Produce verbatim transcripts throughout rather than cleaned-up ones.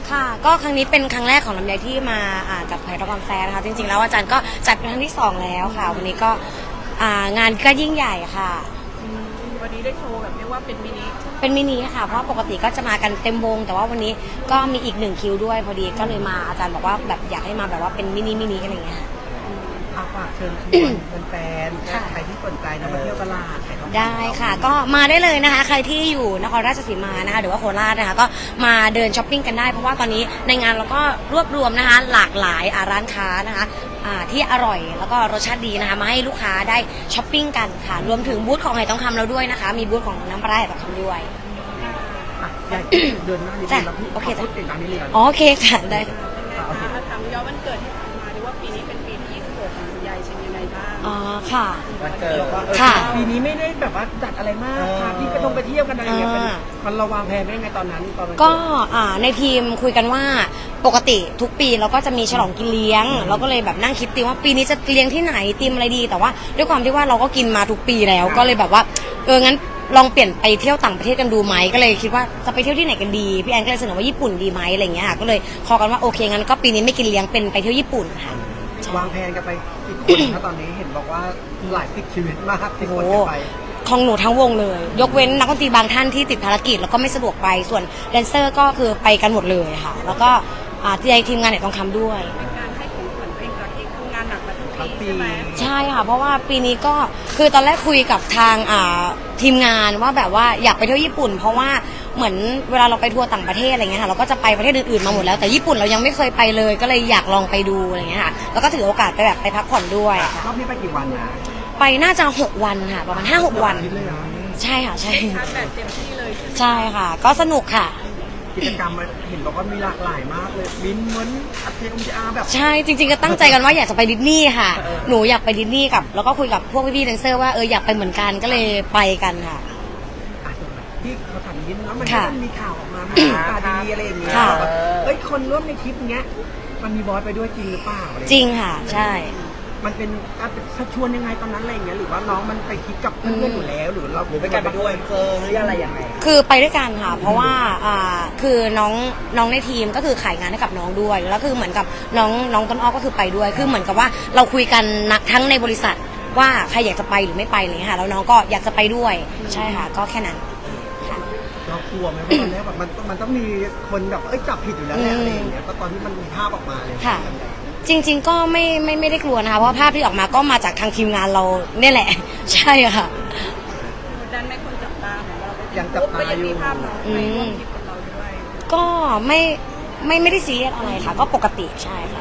ค่ะก็ครั้งนี้เป็นครั้งแรกของลำไยที่มาอ่าจัดไผ่ทองคำแฟร์นะคะจริงๆแล้วอาจารย์ก็จัดเป็นครั้งที่สองแล้วค่ะวันนี้ก็อ่างานก็ยิ่งใหญ่ค่ะวันนี้ได้โชว์แบบเรียกว่าเป็นมินิเป็นมินิค่ะเพราะปกติก็จะมากันเต็มวงแต่ว่าวันนี้ก็มีอีกหนึ่งคิวด้วยพอดีก็เลยมาอาจารย์บอกว่าแบบอยากให้มาแบบว่าเป็นมินิมินิอะไรอย่างเงี้ยค่ะฝากเชิญชวนแฟนๆใครที่สนใจนะมาเที่ยวตลาดได้ค่ะก็มาได้เลยนะคะใครที่อยู่นครราชสีมานะคะหรือว่าโคราชนะคะก็มาเดินช้อปปิ้งกันได้เพราะว่าตอนนี้ในงานเราก็รวบรวมนะคะหลากหลายร้านค้านะคะที่อร่อยแล้วก็รสชาติดีนะคะมาให้ลูกค้าได้ช้อปปิ้งกันค่ะรวมถึงบูธของไหทองคำเราด้วยนะคะมีบูธของน้ำปลาไหลทองคำด้วยใหญ่เดินหน้านิดนึงโอเคจ้ะโอเคค่ะได้ถามย้อนวันเกิดที่ผ่านมาดีว่าปีนี้เป็นปีที่ยี่สิบหกของคุณยายเป็นยังไงบ้างอ๋อค่ะวันเกิดค่ะปีนี้ไม่ได้แบบว่าจัดอะไรมากค่ะที่ไปต้องไปเที่ยวกันอะไรอย่างเงี้ยมันระวังแผนได้ไงตอนนั้นตอนก็ในทีมคุยกันว่าปกติทุกปีเราก็จะมีฉลองกินเลี้ยงเราก็เลยแบบนั่งคิดตีว่าปีนี้จะเลี้ยงที่ไหนตีมอะไรดีแต่ว่าด้วยความที่ว่าเราก็กินมาทุกปีแล้วก็เลยแบบว่าเอองั้นลองเปลี่ยนไปเที่ยวต่างประเทศกันดูไหมก็เลยคิดว่าจะไปเที่ยวที่ไหนกันดีพี่แอนก็เลยเสนอว่าญี่ปุ่นดีไหมอะไรเงี้ยค่ะก็เลยคอกันว่าโอเคงั้นก็ปีนี้ไม่กินเลี้ยงเป็นไปเที่ยวญี่ปุ่นค่ะวางแผนกันไปอีกคนถ้าตอนนี้เห็นบอกว่าหลายสิบชีวิตมากที่คนจะไปของหนูทั้งวงเลยยกเว้นนักดนตรีบางท่านที่ติดภารกิจแล้วก็ไม่สะดวกไปส่วนแดนเซอร์ก็คือไปกันหมดเลยค่ะแล้วก็ที่ทีมงานเนี่ยต้องทำด้วยเป็นการให้ของขวัญตัวเองจากที่ทำงานหนักมาทั้งปีใช่ไหมใช่ค่ะเพราะว่าปีนี้ก็คือตอนแรกคุยกับทางทีมงานว่าแบบว่าอยากไปเที่ยวญี่ปุ่นเพราะว่าเหมือนเวลาเราไปทัวร์ต่างประเทศอะไรเงี้ยค่ะเราก็จะไปประเทศอื่นๆมาหมดแล้วแต่ญี่ปุ่นเรายังไม่เคยไปเลยก็เลยอยากลองไปดูอะไรเงี้ยค่ะแล้วก็ถือโอกาสไปแบบไปพักผ่อนด้วยค่ะรอบนี้ไปกี่วันนะไปน่าจะหกวันค่ะประมาณห้าหกวันใช่ค่ะใช่ชาร์จแบตเต็มที่เลยใช่ค่ะก็สนุกค่ะกิจกรรมเห็นบอกว่ามีหลากหลายมากเลยบินเหมือนอัดเทอมอาแบบใช่จริงๆก็ตั้งใจกันว่าอยากจะไปดิสนีย์ค่ะหนูอยากไปดิสนีย์กับแล้วก็คุยกับพวกพี่ๆแดนเซอร์ว่าเอออยากไปเหมือนกันก็เลยไปกันค่ะที่เขาถามยิ้มแล้วมันก็มีข่าวออกมาตาดีอะไรอย่างเงี้ยเอ้ยคนร่วมในคลิปเงี้ยมันมีบอสไปด้วยจริงหรือเปล่าจริงค่ะใช่มันเป็นชักชวนยังไงตอนนั้นอะไรอย่างเงี้ยหรือว่าน้องมันไปคิดกับเพื่อนอยู่แล้วหรือเราหรือไปกันไปด้วยเจอหรืออะไรยังไงคือไปด้วยกันค่ะเพราะว่าอ่าคือน้องน้องในทีมก็คือขายงานให้กับน้องด้วยแล้วคือเหมือนกับน้องน้องต้นอ้อก็คือไปด้วยคือเหมือนกับว่าเราคุยกันทั้งในบริษัทว่าใครอยากจะไปหรือไม่ไปอะไรอย่างเงี้ยค่ะแล้วน้องก็อยากจะไปด้วยใช่ค่ะก็แค่นั้นเรากลัวไหมว่าตอนแรกแบบมันมันต้องมีคนแบบเอ้ยจับผิดอยู่แล้วแหละอะไรอย่างเงี้ยก็ตอนที่มันมีภาพออกมาเลยค่ะจริงๆก็ไม่ไม่ไม่ได้กลัวนะคะเพราะภาพที่ออกมาก็มาจากทางทีมงานเราเนี่ยแหละใช่ค่ะดันไม่คนจับตาเหมือนเรายังจับตาอยู่ภาพน้องไปร่วมคลิปกับเราด้วยก็ไม่ไม่ไม่ได้ซีเรียสอะไรค่ะก็ปกติใช่ค่ะ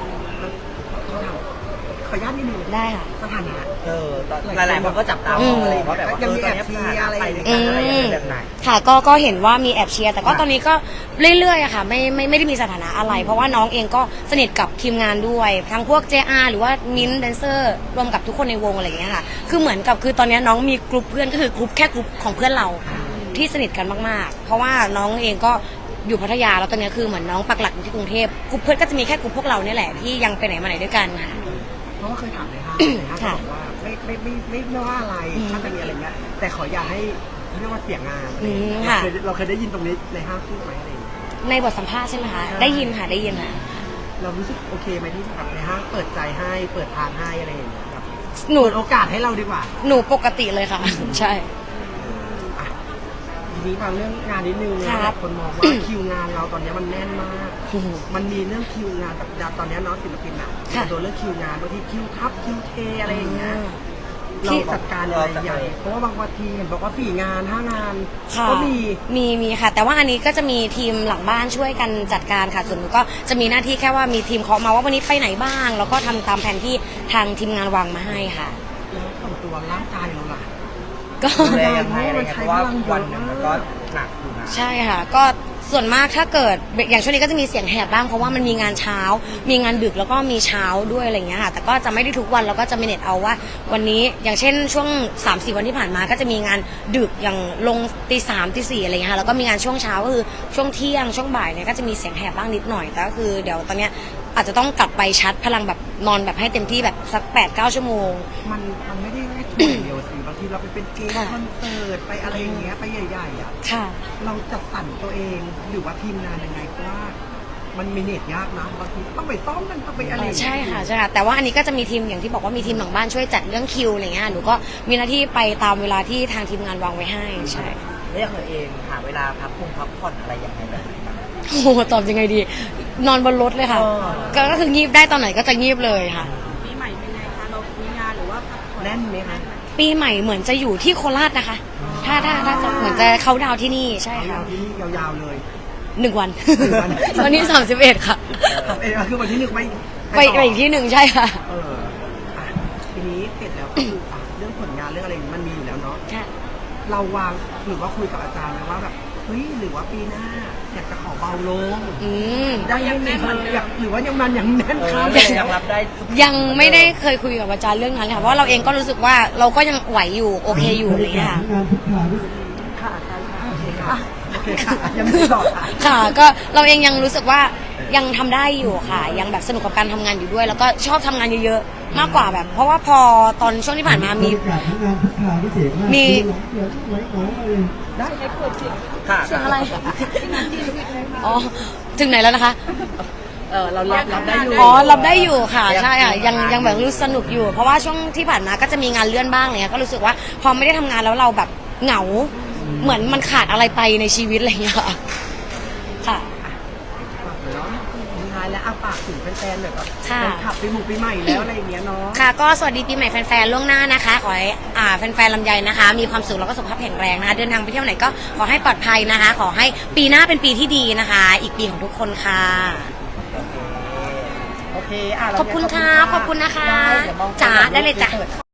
ขออนุญาตนิดนึงได้ค่ะสถานะเออหลายๆคนก็จับตามองอะไรว่าแบบยังมีแอบเชียร์อะไรแบบไหนค่ะก็ก็เห็นว่ามีแอบเชียร์แต่ก็ตอนนี้ก็เรื่อยๆอะค่ะไม่ไม่ไม่ได้มีสถานะอะไรเพราะว่าน้องเองก็สนิทกับทีมงานด้วยทั้งพวก เจ อาร์ หรือว่ามิ้นท์แดนเซอร์รวมกับทุกคนในวงอะไรอย่างเงี้ยค่ะคือเหมือนกับคือตอนนี้น้องมีกลุ่มเพื่อนก็คือกลุ่มแค่กลุ่มของเพื่อนเราที่สนิทกันมากๆเพราะว่าน้องเองก็อยู่พัทยาแล้วตอนนี้คือเหมือนน้องปักหลักอยู่ที่กรุงเทพกลุ่มเพื่อนก็จะมีแค่กลุ่มพวกเราเนี่ยแหละที่ยังไปไหนมาไหนด้วยกันค่ะเพราะว่าเคยถามเลยค่ะบอกว่าไม่ไม่ไม่ไม่ไม่ว่าอะไรถ้าจะมีอะไรเงี้ยแต่ขออย่าให้เรียกว่าเสียงานเราเคยได้ยินตรงนี้ในห้างพูดไหมอะไรในบทสัมภาษณ์ใช่ไหมคะได้ยินค่ะได้ยินค่ะเรารู้สึกโอเคไหมที่แบบในห้างเปิดใจให้เปิดทางให้อะไรอย่างเงี้ยแบบหนูโอกาสให้เราดีกว่าหนูปกติเลยค่ะใช่ทีนี้มาเรื่องงานนิดนึงนะคนมองว่าคิวงานเราตอนนี้มันแน่นมากมันมีเรื่องคิวงานแบบตอนนี้น้องศิลปินอ่ะโดนเรื่องคิวงานบางทีคิวทับคิวเทอะไรอย่างเงี้ยเราจัดการอะไรใหญ่เพราะว่าบางวันทีเห็นบอกว่าสี่งานห้างานก็มีมีมีค่ะแต่ว่าอันนี้ก็จะมีทีมหลังบ้านช่วยกันจัดการค่ะส่วนหนูก็จะมีหน้าที่แค่ว่ามีทีมเคาะมาว่าวันนี้ไปไหนบ้างแล้วก็ทำตามแผนที่ทางทีมงานวางมาให้ค่ะแล้วของตัวร่างกายเราล่ะก็ได้ยังไงอะไรเงี้ยเพราะว่าวันหนึ่งมันก็หนักอยู่นะใช่ค่ะก็ส่วนมากถ้าเกิดอย่างช่วงนี้ก็จะมีเสียงแหบบ้างเพราะว่ามันมีงานเช้ามีงานดึกแล้วก็มีเช้าด้วยอะไรเงี้ยค่ะแต่ก็จะไม่ได้ทุกวันแล้วก็จะเมเนจเอาว่าวันนี้อย่างเช่นช่วง สามสี่ วันที่ผ่านมาก็จะมีงานดึกอย่างลงตีสามตีสี่อะไรเงี้ยค่ะแล้วก็มีงานช่วงเช้าก็คือช่วงเที่ยงช่วงบ่ายเนี่ยก็จะมีเสียงแหบบ้างนิดหน่อยแต่ก็คือเดี๋ยวตอนเนี้ยอาจจะต้องกลับไปชัดพลังแบบนอนแบบให้เต็มที่แบบสัก แปดเก้า ชั่วโมงมันมันไม่ได้แค่ทัวร์เดียวสิบางทีเราไปเป็นเกมคอนเสิร์ตไปอะไรอย่างเงี้ยไปใหญ่ๆอ่ะเราจัดสรรตัวเองหรือว่าทีมงานยังไงว่ามันมีเน็ตยากนะบางทีต้องไปซ้อมกันต้องไปอะไรอย่างเงี้ยใช่ค่ะใช่ค่ะแต่ว่าอันนี้ก็จะมีทีมอย่างที่บอกว่ามีทีมหลังบ้านช่วยจัดเรื่องคิวอะไรเงี้ยหนูก็มีหน้าที่ไปตามเวลาที่ทางทีมงานวางไว้ให้ใช่เรียกตัวเองหาเวลาพักผ่อนพักผ่อนอะไรยังไงแบบไหนบ้างโอ้โหตอบยังไงดี นอนบนรถเลยค่ะอ๋อก็ก็คืองีบได้ตอนไหนก็จะงีบเลยค่ะปีใหม่เป็นไงคะเรามีงานหรือว่าพักผ่อนแน่นไหมคะปีใหม่เหมือนจะอยู่ที่โคราชนะคะ ถ้าถ้าถ้าจะเหมือนจะเขาดาวน์ที่นี่ใช่ยาค่ะวที่นี่ยาวๆเลยหนึ่งวันหนึ่งวันวันที่สามสิบเอ็ดค่ะทำเองคือวันที่หนึ่งไปไปไปอีกที่หนึ่งใช่ค่ะเอออ่ะทีนี้เสร็จแล้วก็คืออ่ะเรื่องผลงานเรื่องอะไรมันมีอยู่แล้วเนาะใช่เราวางหรือว่าคุยกับอาจารย์ไหมว่าแบบเฮ้ยหรือว่าปีหน้าอยากจะขอเบาลงอืมได้ยังแน่นอยากหรือว่ายังมันยังแน่นเอครัอบ ยังรับได้ทุกยังไม่ได้เคยคุยกับอาจารย์เรื่องนั้นเลยค่ะเพราะเราเองก็รู้สึกว่าเราก็ยังไหวอยู่โอเคอยู่อะไรอย่างเงี้ยค่ะค่ะอาจารย์ค่ะโอเคค่ะโอเคค่ะยังไม่ตอบค่ะค่ะก็เราเองยังรู้สึกว่ายังทำได้อยู่ค่ะ ยังแบบสนุกกับการทำงานอยู่ด้วย แล้วก็ชอบทำงานเยอะๆมากกว่าแบบ เพราะว่าพอตอนช่วงที่ผ่านมามี มีได้ค่ะเสียงอะไรอ๋อถึงไหนแล้วนะคะเออเรารับรับได้อยู่อ๋อรับได้อยู่ค่ะใช่ค่ะยังยังแบบรู้สนุกอยู่ เพราะว่าช่วงที่ผ่านมาก็จะมีงานเลื่อนบ้างอะไรเงี้ยก็รู้สึกว่าพอไม่ได้ทำงานแล้วเราแบบเหงา เหมือนมันขาดอะไรไปในชีวิตอะไรอย่างเงี้ยค่ะค่ะฝากเนาะสุดท้ายแล้วอาฝากถึงแฟนๆหน่อยว่าค่ะแฟนคลับปีหมู่ปีใหม่แล้วอะไรอย่างเงี้ยเนาะค่ะก็สวัสดีปีใหม่แฟนๆล่วงหน้านะคะ ขอให้อ่าแฟนๆลำไยนะคะ มีความสุขแล้วก็สุขภาพแข็งแรงนะคะ เดินทางไปเที่ยวไหนก็ขอให้ปลอดภัยนะคะ ขอให้ปีหน้าเป็นปีที่ดีนะคะ อีกปีของทุกคนค่ะโอเคอ่ะเราขอบคุณค่ะขอบคุณนะคะได้เดี๋ยวมองจ๋าได้เลยจ้ะปิด